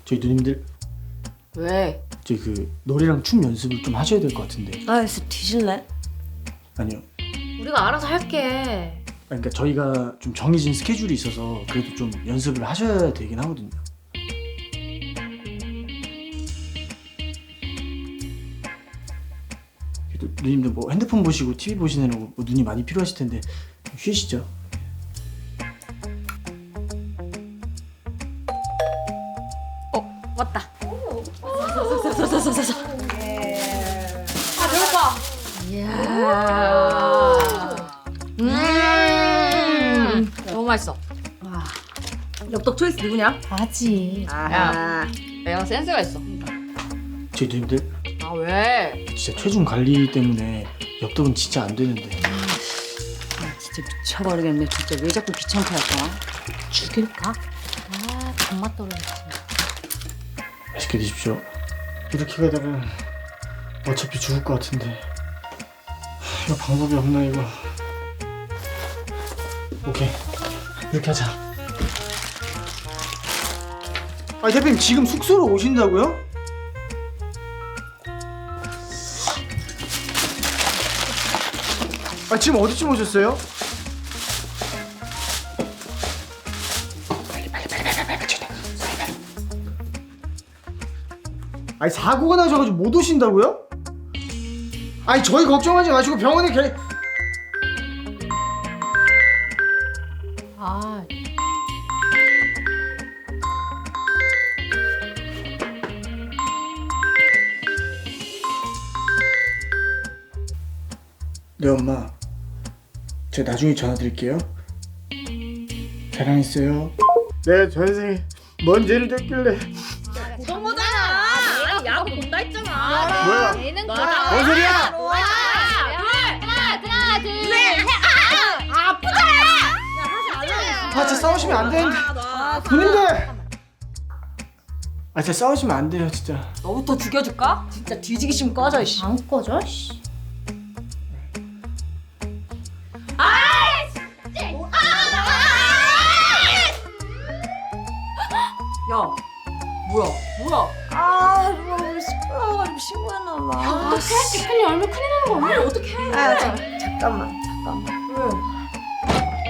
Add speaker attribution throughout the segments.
Speaker 1: 저희 누님들
Speaker 2: 왜?
Speaker 1: 저희 그 노래랑 춤 연습을 좀 하셔야 될 것 같은데.
Speaker 2: 아, 그래서 뒤질래?
Speaker 1: 아니요.
Speaker 3: 우리가 알아서 할게.
Speaker 1: 그러니까 저희가 좀 정해진 스케줄이 있어서 그래도 좀 연습을 하셔야 되긴 하거든요. 그래도 누님들 뭐 핸드폰 보시고 TV 보시느라고 뭐 눈이 많이 필요하실 텐데 좀 쉬시죠.
Speaker 3: 왔다. 너무 맛있어.
Speaker 2: 엽떡 초이스 누구냐?
Speaker 3: 아지.
Speaker 2: 아,
Speaker 3: 내가 센스가 있어.
Speaker 1: 저희 누님들
Speaker 3: 아 왜?
Speaker 1: 진짜 체중 관리 때문에 엽떡은 진짜 안 되는데.
Speaker 2: 진짜 미쳐버리겠네. 진짜 왜 자꾸 귀찮게 할까?
Speaker 3: 죽일까? 아 단맛 떨어지지.
Speaker 1: 맛있게 드십시오. 이렇게 가다가 어차피 죽을 것 같은데 이거 방법이 없나 이거. 오케이 이렇게 하자. 아니 대표님 지금 숙소로 오신다고요? 아 지금 어디쯤 오셨어요? 아니 사고가 나셔가지고 못 오신다고요? 아니 저희 걱정하지 마시고 병원에
Speaker 3: 아
Speaker 1: 네 엄마 제가 나중에 전화 드릴게요. 사랑했어요. 네 전생에 뭔 죄를 졌길래.
Speaker 3: 정모잖아. 내가 야구 본다 했잖아.
Speaker 1: 뭐야?
Speaker 3: 얘는
Speaker 1: 뭔 소리야?
Speaker 3: 하나 둘 셋.
Speaker 1: 아 진짜 싸우시면 안 되는데. 누님들 아 진짜 싸우시면 안 돼요 진짜.
Speaker 2: 너부터 죽여줄까? 진짜 뒤지기 싫으면 꺼져, 이씨.
Speaker 3: 안 꺼져? 씨.
Speaker 2: 야, 뭐야? 아, 누가 우리 시끄러워가지고 신고했나봐.
Speaker 3: 어떡해? 대표님 얼마 큰일 나는 거 아니야? 어떡해?
Speaker 2: 아, 잠깐만. 왜?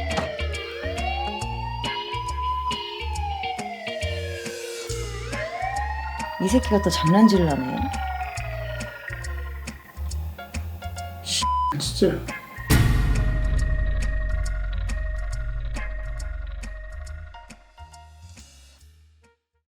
Speaker 2: 이 새끼가 또 장난질을 하네.
Speaker 1: 진짜